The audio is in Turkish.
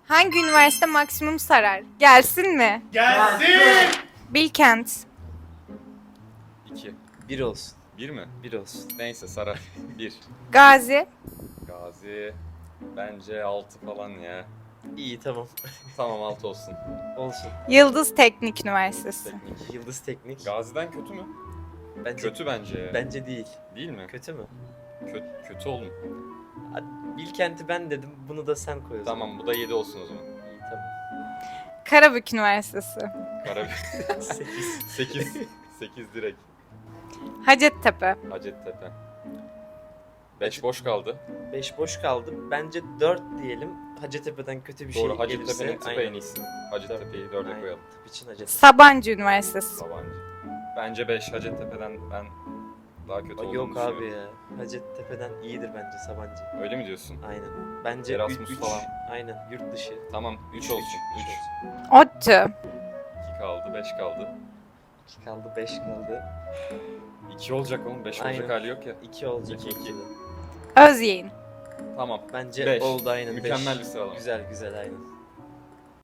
Hangi üniversite maksimum sarar? Gelsin mi? Gelsin! Bilkent. 2. 1 olsun. 1 mi? 1 olsun. Neyse sarar. 1. Gazi. Gazi bence 6 falan ya. İyi tamam. Tamam 6 olsun. Olsun. Yıldız Teknik Üniversitesi. Teknik. Yıldız Teknik. Gazi'den kötü mü? Bence Kötü bence ya. Bence değil. Değil mi? Kötü mü? Kötü oğlum. Bilkent'i ben dedim. Bunu da sen koy o zaman. Tamam bu da 7 olsun o zaman. İyi tamam. Karabük Üniversitesi. Karabük 8. 8. 8 direkt. Hacettepe. Hacettepe. 5 boş kaldı. 5 boş kaldı. Bence 4 diyelim. Hacettepe'den kötü bir Doğru şey gelirse. Hacettepe'nin tıpı en aynen. iyisi. Hacettepe'yi 4'e Aynen. koyalım. Tıp için Hacettepe. Sabancı Üniversitesi. Sabancı. Bence 5 Hacettepe'den ben daha kötü olduğunu Yok abi düşünüyorum. ya. Hacettepe'den iyidir bence Sabancı. Öyle mi diyorsun? Aynen. Bence Erasmus 3 falan. Aynen. Yurt dışı. Tamam 3 olsun. 3. ODTÜ. 2 kaldı 5 kaldı. 2 kaldı, 5 kaldı. 2 olacak oğlum 5 olacak Aynen. hali yok ya. 2 olacak. 2, 2. Özyeğin. Tamam. Bence Beş. oldu aynen. Mükemmel Beş. bir sıralama. Güzel güzel aynen.